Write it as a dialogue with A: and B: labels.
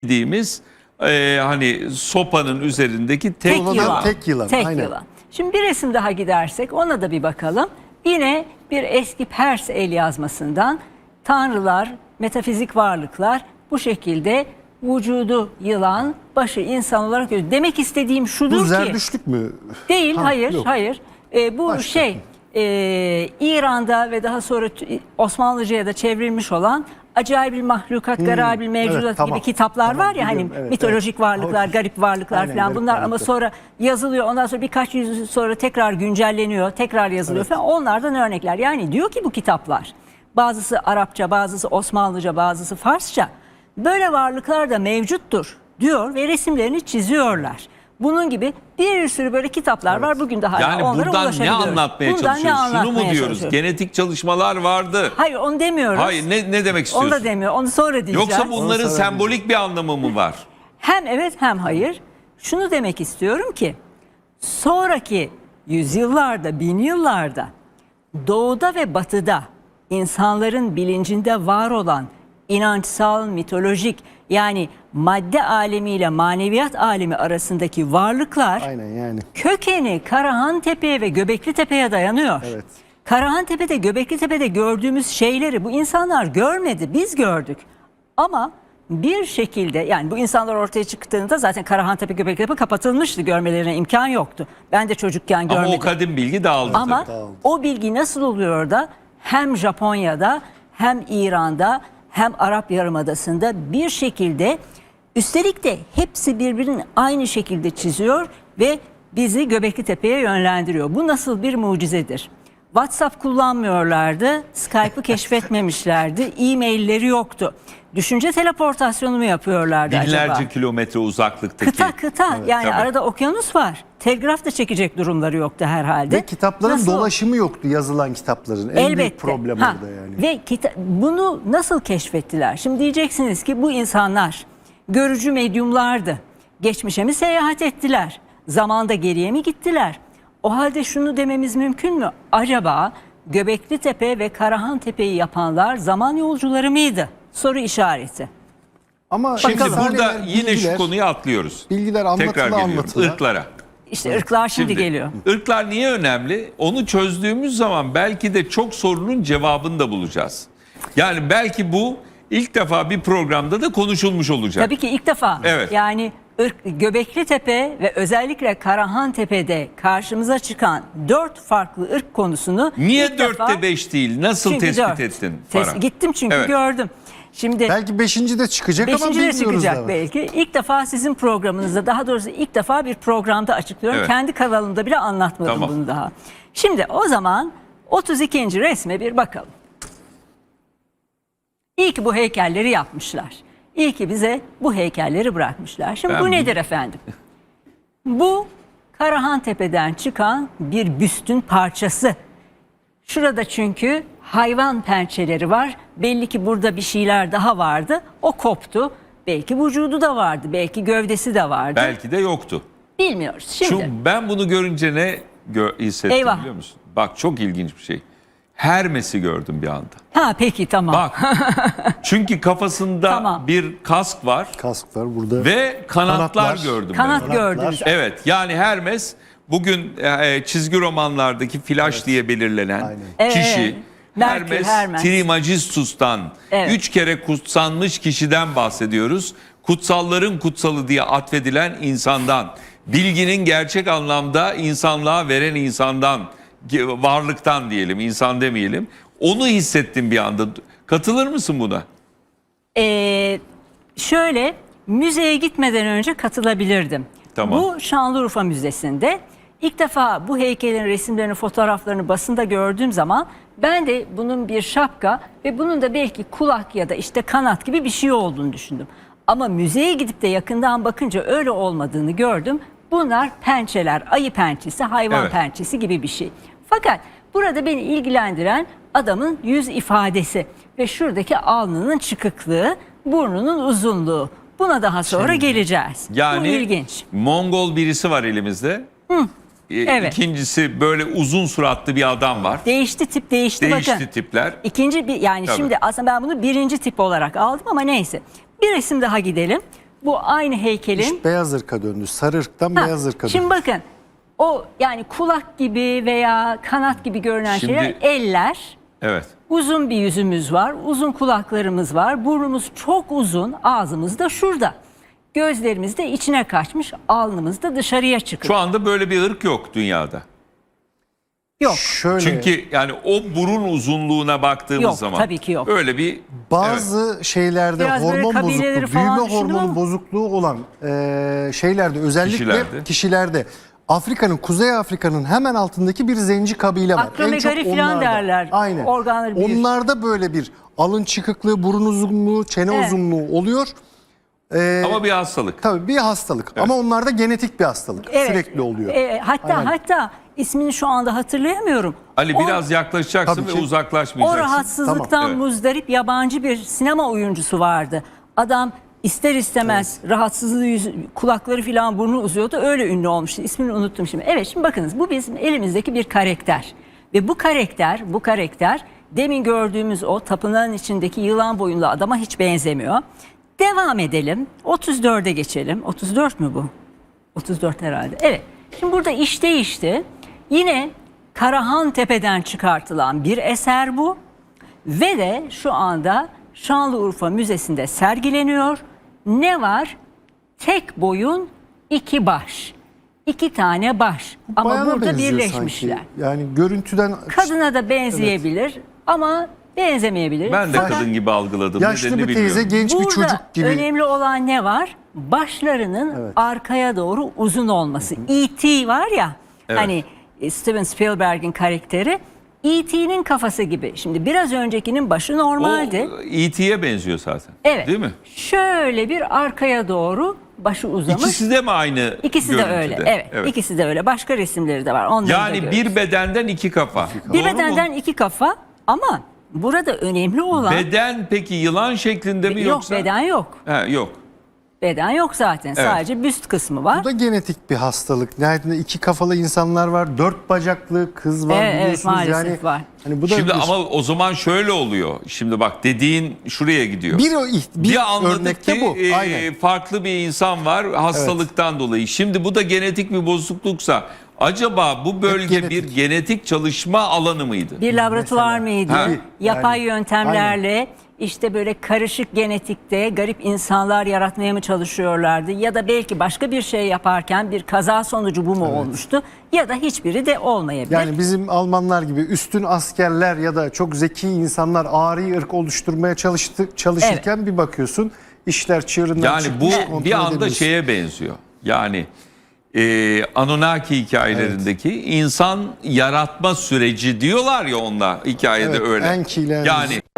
A: bildiğimiz hani sopanın üzerindeki tek yılan.
B: Tek yılan.
C: Tek
B: Aynen.
C: yılan. Şimdi bir resim daha gidersek ona da bir bakalım. Yine bir eski Pers el yazmasından tanrılar, metafizik varlıklar bu şekilde vücudu yılan, başı insan olarak görüyor. Demek istediğim şudur
B: Bu
C: ki...
B: Zerdüştlük mü?
C: Değil,
B: Ha,
C: hayır,
B: yok.
C: hayır. Bu
B: Başka.
C: İran'da ve daha sonra Osmanlıca'ya da çevrilmiş olan Acayip Mahlukat, Garabil Mevcudat
B: evet, tamam.
C: gibi kitaplar
B: Tamam,
C: var ya, hani
B: biliyorum, evet,
C: mitolojik
B: evet.
C: varlıklar, garip varlıklar
B: Aynen,
C: falan
B: garip
C: bunlar, ama
B: varlıklar.
C: sonra yazılıyor. Ondan sonra birkaç yüzyıl sonra tekrar güncelleniyor, tekrar yazılıyor falan. Onlardan örnekler. Yani diyor ki bu kitaplar, bazısı Arapça, bazısı Osmanlıca, bazısı Farsça, böyle varlıklar da mevcuttur diyor ve resimlerini çiziyorlar. Bunun gibi bir sürü böyle kitaplar var. Bugün de hala
A: Yani
C: onlara
A: buradan ne
C: ulaşabiliyoruz.
A: anlatmaya
C: Bundan ne
A: çalışıyoruz? Şunu mu
C: anlatmaya
A: diyoruz?
C: çalışıyoruz?
A: Genetik çalışmalar vardı.
C: Hayır, onu demiyoruz.
A: Hayır, ne demek
C: Onu
A: istiyorsun?
C: da demiyor. Onu sonra diyeceğiz.
A: Yoksa bunların
B: sonra
A: sembolik bir anlamı mı var?
C: Hem evet hem hayır. Şunu demek istiyorum ki sonraki yüzyıllarda, bin yıllarda doğuda ve batıda insanların bilincinde var olan inançsal, mitolojik, yani madde alemiyle maneviyat alemi arasındaki varlıklar
B: Aynen yani.
C: kökeni Karahantepe'ye ve Göbeklitepe'ye dayanıyor.
B: Evet.
C: Karahantepe'de, Göbeklitepe'de gördüğümüz şeyleri bu insanlar görmedi, biz gördük. Ama bir şekilde, yani bu insanlar ortaya çıktığında zaten Karahantepe, Göbeklitepe kapatılmıştı, görmelerine imkan yoktu. Ben de çocukken görmedim.
A: Ama o kadim bilgi dağıldı
C: Ama
A: tabii.
C: o bilgi nasıl oluyor da hem Japonya'da hem İran'da hem Arap Yarımadası'nda bir şekilde, üstelik de hepsi birbirinin aynı şekilde çiziyor ve bizi Göbeklitepe'ye yönlendiriyor. Bu nasıl bir mucizedir? WhatsApp kullanmıyorlardı, Skype'ı keşfetmemişlerdi, e-mailleri yoktu. Düşünce teleportasyonu mu yapıyorlardı
A: Binlerce
C: acaba?
A: kilometre uzaklıktaki.
C: Kıta yani
A: tabii.
C: arada okyanus var. Telgraf da çekecek durumları yoktu herhalde.
B: Ve kitapların
C: Nasıl?
B: dolaşımı yoktu, yazılan kitapların. En büyük problem orada yani.
C: Ve bunu nasıl keşfettiler? Şimdi diyeceksiniz ki bu insanlar görücü medyumlardı. Geçmişe mi seyahat ettiler? Zamanda geriye mi gittiler? O halde şunu dememiz mümkün mü? Acaba Göbeklitepe ve Karahantepe'yi yapanlar zaman yolcuları mıydı? Soru işareti.
B: Ama
A: Şimdi
B: efsaneler,
A: burada yine
B: bilgiler,
A: şu konuyu atlıyoruz.
B: bilgiler anlatıla
A: Tekrar geliyorum.
B: anlatıla.
A: Irklara.
C: İşte ırklar şimdi geliyor.
A: Irklar niye önemli? Onu çözdüğümüz zaman belki de çok sorunun cevabını da bulacağız. Yani belki bu ilk defa bir programda da konuşulmuş olacak.
C: Tabii ki ilk defa.
A: Evet.
C: Yani Göbeklitepe ve özellikle Karahantepe'de karşımıza çıkan 4 farklı ırk konusunu
A: Niye
C: ilk defa,
A: 4'te 5 değil? Nasıl
C: çünkü
A: tespit
C: 4.
A: ettin Farah?
C: Gittim çünkü
A: Evet.
C: gördüm. Şimdi
B: Belki 5. de çıkacak ama
C: 5. de
B: bilmiyoruz
C: çıkacak
B: da.
C: belki. İlk defa sizin programınızda, daha doğrusu ilk defa bir programda açıklıyorum.
A: Evet.
C: Kendi kanalımda bile anlatmadım
A: Tamam.
C: bunu daha. Şimdi o zaman 32. resme bir bakalım. İyi ki bu heykelleri yapmışlar. İyi ki bize bu heykelleri bırakmışlar. Şimdi
A: Ben
C: bu
A: bu-
C: nedir efendim? Bu Karahantepe'den çıkan bir büstün parçası. Şurada çünkü hayvan pençeleri var. Belli ki burada bir şeyler daha vardı. O koptu. Belki vücudu da vardı. Belki gövdesi de vardı.
A: Belki de yoktu.
C: Bilmiyoruz. Şimdi
A: Çünkü ben bunu görünce ne hissettim
C: Eyvah.
A: biliyor musun? Bak çok ilginç bir şey. Hermes'i gördüm bir anda.
C: ha peki tamam.
A: Bak. Çünkü kafasında
C: Tamam.
A: bir kask var
B: Kask var burada.
A: ve kanatlar
B: Kanatlar.
A: gördüm
C: Kanat
A: ben.
C: gördünüz.
A: Evet, yani Hermes bugün çizgi romanlardaki Flash diye belirlenen
B: Aynen.
C: Evet,
A: kişi.
C: evet. Merkür, Hermes.
A: Trismegistus'tan
C: Evet.
A: 3 kere kutsanmış kişiden bahsediyoruz. Kutsalların kutsalı diye atfedilen insandan, bilginin gerçek anlamda insanlığa veren insandan, varlıktan diyelim, insan demeyelim. Onu hissettim bir anda. Katılır mısın buna?
C: Şöyle, müzeye gitmeden önce katılabilirdim.
A: Tamam.
C: Bu Şanlıurfa Müzesi'nde ilk defa bu heykelin resimlerini, fotoğraflarını basında gördüğüm zaman ben de bunun bir şapka ve bunun da belki kulak ya da işte kanat gibi bir şey olduğunu düşündüm. Ama müzeye gidip de yakından bakınca öyle olmadığını gördüm. Bunlar pençeler, ayı pençesi, hayvan
A: Evet.
C: pençesi gibi bir şey. Fakat burada beni ilgilendiren adamın yüz ifadesi ve şuradaki alnının çıkıklığı, burnunun uzunluğu. Buna daha sonra geleceğiz. Bu
A: Yani
C: ilginç.
A: Mongol birisi var elimizde.
C: evet.
A: İkincisi böyle uzun suratlı bir adam var.
C: Değişti tip, değişti bakın.
A: tipler.
C: İkinci bir, yani
A: Tabii.
C: şimdi aslında ben bunu birinci tip olarak aldım ama neyse. Bir resim daha gidelim. Bu aynı heykelin.
B: İş beyaz ırka döndü. Sarı ırktan
C: Ha,
B: beyaz ırka döndü.
C: şimdi bakın o yani kulak gibi veya kanat gibi görünen
A: Şimdi-
C: şeyler eller.
A: Evet.
C: Uzun bir yüzümüz var, uzun kulaklarımız var, burnumuz çok uzun, ağzımız da şurada. Gözlerimiz de içine kaçmış, alnımız da dışarıya çıkıyor.
A: Şu anda böyle bir ırk yok dünyada.
C: Yok.
B: Şöyle
A: Çünkü yani o burun uzunluğuna baktığımız
C: Yok,
A: zaman
C: tabii ki yok.
A: öyle bir
B: bazı şeylerde
C: Biraz böyle
B: hormon
C: kabileleri
B: bozukluğu,
C: falan
B: büyüme
C: düşündüm
B: hormonu
C: ama-
B: bozukluğu olan şeylerde özellikle kişilerde Afrika'nın, Kuzey Afrika'nın hemen altındaki bir zenci kabile var.
C: Akromegali falan
B: onlarda.
C: derler.
B: Aynen.
C: Organları büyür.
B: Onlarda böyle bir alın çıkıklığı, burun uzunluğu, çene
C: Evet.
B: uzunluğu oluyor.
A: ama bir hastalık.
B: Tabii bir hastalık ama onlarda genetik bir hastalık.
C: Evet.
B: Sürekli oluyor.
C: Hatta ismini şu anda hatırlayamıyorum.
A: Ali
C: O-
A: biraz yaklaşacaksın
B: Tabii
A: ve
B: ki.
C: O
A: uzaklaşmayacaksın.
C: rahatsızlıktan
A: Tamam, evet.
C: muzdarip yabancı bir sinema oyuncusu vardı. Adam ister istemez rahatsızlığı kulakları falan burnu uzuyordu. Öyle ünlü olmuştu. İsmini unuttum şimdi. Evet, şimdi bakınız bu bizim elimizdeki bir karakter. Ve bu karakter demin gördüğümüz o tapınağın içindeki yılan boyunlu adama hiç benzemiyor. Devam edelim. 34'e geçelim. 34 mü bu? 34 herhalde. Evet. Şimdi burada iş değişti. Yine Karahan Tepe'den çıkartılan bir eser bu. Ve de şu anda Şanlıurfa Müzesi'nde sergileniyor. Ne var? Tek boyun iki baş. İki tane baş. Ama
B: Bayana
C: burada
B: benziyor
C: birleşmişler.
B: sanki. Yani görüntüden
C: Kadına da benzeyebilir ama benzemeyebilir.
A: Ben de
C: Fakat
A: kadın gibi algıladım.
B: yaşlı
A: Nedenini
B: bir teyze,
A: bilmiyorum.
B: genç bir
C: burada
B: çocuk gibi.
C: önemli olan ne var? Başlarının arkaya doğru uzun olması. E.T. var ya
A: Evet.
C: hani Steven Spielberg'in karakteri E.T.'nin kafası gibi. Şimdi biraz öncekinin başı normaldi.
A: O E.T.'ye benziyor zaten.
C: Evet.
A: Değil mi?
C: Şöyle bir arkaya doğru başı uzamış.
A: İkisi de mi aynı
C: İkisi de
A: görüntüde?
C: öyle. Evet, İkisi de öyle. Başka resimleri de var. Onları da
A: Yani
C: görürüz.
A: bir bedenden iki kafa.
C: Bir
A: Doğru
C: bedenden
A: mu?
C: iki kafa ama burada önemli olan
A: Beden peki yılan şeklinde mi
C: yok,
A: yoksa?
C: beden yok.
A: Ha, yok.
C: Beden yok zaten. Sadece büst kısmı var.
B: Bu da genetik bir hastalık. Nihayetinde iki kafalı insanlar var. 4 bacaklı kız var
C: Evet,
B: biliyorsunuz.
C: maalesef
B: yani,
C: var.
B: Hani bu da
A: Şimdi
B: bir,
A: ama o zaman şöyle oluyor. Şimdi bak dediğin şuraya gidiyor.
B: bir
A: anladık
B: örnekte
A: ki
B: bu. Aynen.
A: farklı bir insan var hastalıktan dolayı. Şimdi bu da genetik bir bozukluksa acaba bu bölge
B: genetik.
A: bir genetik çalışma alanı mıydı?
C: Bir laboratuvar mıydı?
A: Ha.
C: Yapay
B: Yani,
C: yöntemlerle işte böyle karışık genetikte garip insanlar yaratmaya mı çalışıyorlardı? Ya da belki başka bir şey yaparken bir kaza sonucu bu mu olmuştu? Ya da hiçbiri de olmayabilir.
B: Yani bizim Almanlar gibi üstün askerler ya da çok zeki insanlar ari ırk oluşturmaya çalışırken bir bakıyorsun işler çığırından
A: Yani
B: çıkmış,
A: bu
B: kontrol
A: bir anda
B: edemiyorsun.
A: şeye benziyor. Yani Anunnaki hikayelerindeki insan yaratma süreci diyorlar ya onlar hikayede
B: Evet,
A: öyle.
B: Enki ile
A: Yani